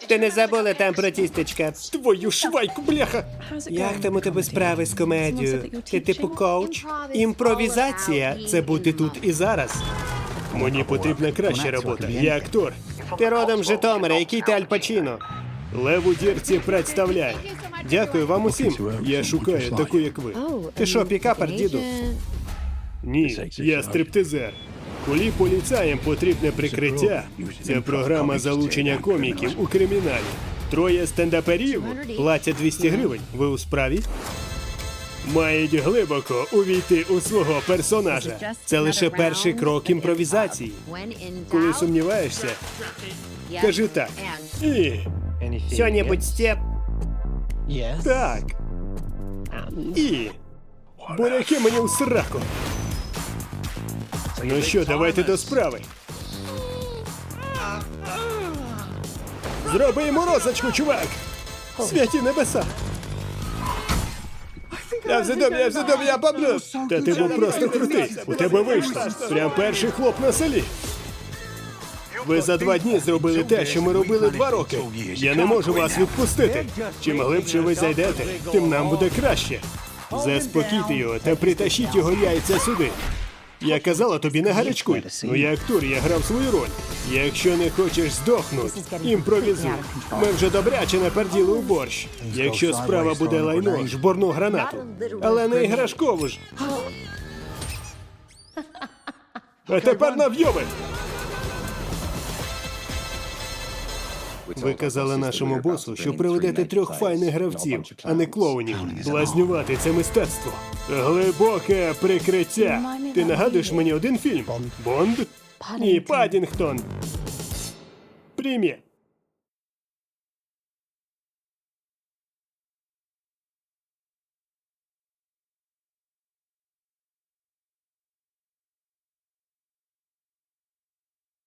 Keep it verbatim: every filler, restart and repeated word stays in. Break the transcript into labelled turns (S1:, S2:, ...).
S1: Ти не забула там про тістечка?
S2: Твою швайку, бляха!
S1: Як там у тебе справи з комедією? Ти типу коуч? Імпровізація – це бути тут і зараз.
S2: Мені потрібна краща робота. Я актор.
S1: Ти родом з Житомира, який ти Аль Пачіно?
S2: Лев у дірці представляє.
S1: Дякую вам усім.
S2: Я шукаю таку, як ви.
S1: Ти що, пікапер, діду?
S2: Ні, я стриптизер. Коли поліцаєм потрібне прикриття, це програма залучення коміків у криміналі. Троє стендаперів платять двісті гривень. Ви у справі? Мають глибоко увійти у свого персонажа.
S1: Це лише перший крок імпровізації.
S2: Коли сумніваєшся, кажи так. І
S1: Що-небудь, Степ?
S2: так. І буряки мені у сраку. Ну що, давайте до справи. Зроби йому розочку, чувак! Святі небеса! Я вже дом, я вже дом, я поблю! Та ти був просто крутий. У тебе вийшло. Прям перший хлоп на селі. Ви за два дні зробили те, що ми робили два роки. Я не можу вас відпустити. Чим глибше ви зайдете, тим нам буде краще. Заспокійте його та притащіть його яйця сюди. Я казала тобі, не гарячкуй. Ну я актор, я грав свою роль. Якщо не хочеш здохнути, імпровізуй. Ми вже добряче наперділи у борщ. Якщо справа буде лайно, жбурну гранату. Але не іграшкову ж. А тепер навйоби! Ви казали нашому босу, що приведете трьох файних гравців, а не клоунів. Блазнювати – це мистецтво. Глибоке прикриття. Ти нагадуєш мені один фільм? Бонд? Ні, Паддінгтон. Привіт.